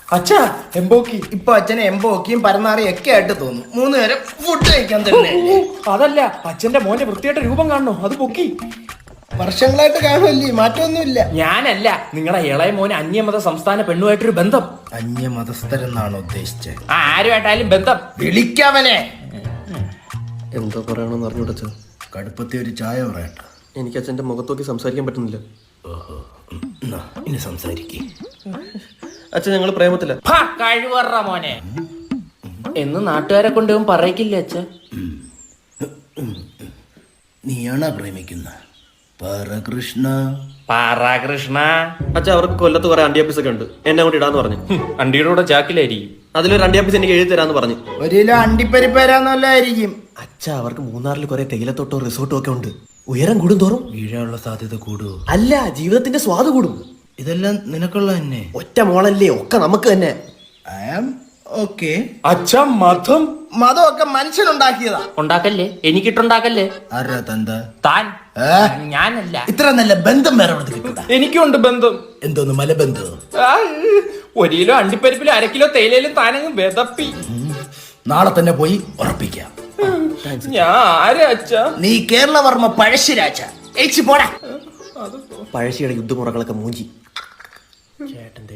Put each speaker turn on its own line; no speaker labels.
അച്ഛാ എംബോക്കി.
ഇപ്പൊ അച്ഛനെ എംബോക്കിയും പരന്നാറിയും ഒക്കെ ആയിട്ട് തോന്നും. 3 നേരം ഫുഡ് കഴിക്കാൻ തന്നെ.
അതല്ല, അച്ഛന്റെ മോന്റെ വൃത്തിയായിട്ട് രൂപം കാണണോ, അത് പൊക്കി.
വർഷങ്ങളായിട്ട് കാണുമല്ലേ, മാറ്റമൊന്നുമില്ല.
ഞാനല്ല, നിങ്ങളുടെ ഇളയ മോന് അന്യമത സംസ്ഥാന പെണ്ണുമായിട്ടൊരു ബന്ധം.
അന്യമതസ്ഥരെന്നാണ് ഉദ്ദേശിച്ചത്?
ആരുമായിട്ടായാലും ബന്ധം.
വിളിക്കവനെ.
എന്തോ പറയണമെന്ന് അറിഞ്ഞുടച്ചോ.
കടുപ്പത്തി ഒരു ചായ പറയട്ടെ.
എനിക്ക് അച്ഛൻ്റെ മുഖത്തോക്കി സംസാരിക്കാൻ പറ്റുന്നില്ല.
ഓഹോ, ഇനി സംസാരിക്കേ.
അച്ഛൻ ഞങ്ങൾ പ്രേമത്തില്ല.
കഴിവറ മോനെ എന്ന് നാട്ടുകാരെ കൊണ്ടുപോകും പറയിക്കില്ല അച്ഛ.
നീയാണോ പ്രേമിക്കുന്ന പരകൃഷ്ണ?
പാറാകൃഷ്ണ.
അച്ഛൻ അവർക്ക് കൊല്ലത്ത് കുറെ അണ്ടിയാപ്പീസ് ഒക്കെ ഉണ്ട്, എന്നെ കൊണ്ട് ഇടാന്ന് പറഞ്ഞു.
അണ്ടിയുടെ കൂടെ ജാക്കിലായിരിക്കും.
അതിലൊരു അണ്ടിയാപ്പീസ് എനിക്ക് എഴുതി തരാന്ന് പറഞ്ഞു.
1 കിലോ അണ്ടിപ്പരിപ്പരാന്നല്ലായിരിക്കും.
അച്ഛ അവർക്ക് മൂന്നാറിൽ കുറെ തേയിലത്തോട്ടോ റിസോർട്ടോ ഒക്കെ ഉണ്ട്. ഉയരം കൂടും തോറും
വീഴാനുള്ള സാധ്യത കൂടുവോ?
അല്ല, ജീവിതത്തിന്റെ സ്വാദ് കൂടും.
ഇതെല്ലാം നിനക്കുള്ള തന്നെ.
ഒറ്റ മോളല്ലേ, ഒക്കെ നമുക്ക് തന്നെ.
I am okay.
അച്ഛ മതം
മതമൊക്കെ മനുഷ്യനുണ്ടാക്കിയതാ.
ഉണ്ടാക്കല്ലേ, എനിക്കിട്ടുണ്ടാക്കല്ലേ.
ആരാ തന്ത?
താൻ. ഞാനല്ല.
ഇത്ര നല്ല ബന്ധം വേറെ എവിടെ കിട്ടൂടാ.
എനിക്കുണ്ട് ബന്ധം.
എന്തോന്ന് മലബന്ധം?
1 കിലോ അണ്ടിപ്പരിപ്പിലും 1/2 കിലോ തേയിലയിലും താനങ്ങ് വെതപ്പി.
നാളെ തന്നെ പോയി ഉറപ്പിക്കാം.
ഞാൻ ആരാ അച്ഛ?
നീ കേരളവർമ്മ പഴശ്ശിരാജ. പോടാ.
പഴശ്ശിയുടെ യുദ്ധമുറകളൊക്കെ മൂഞ്ചി. ചേട്ടന്റെ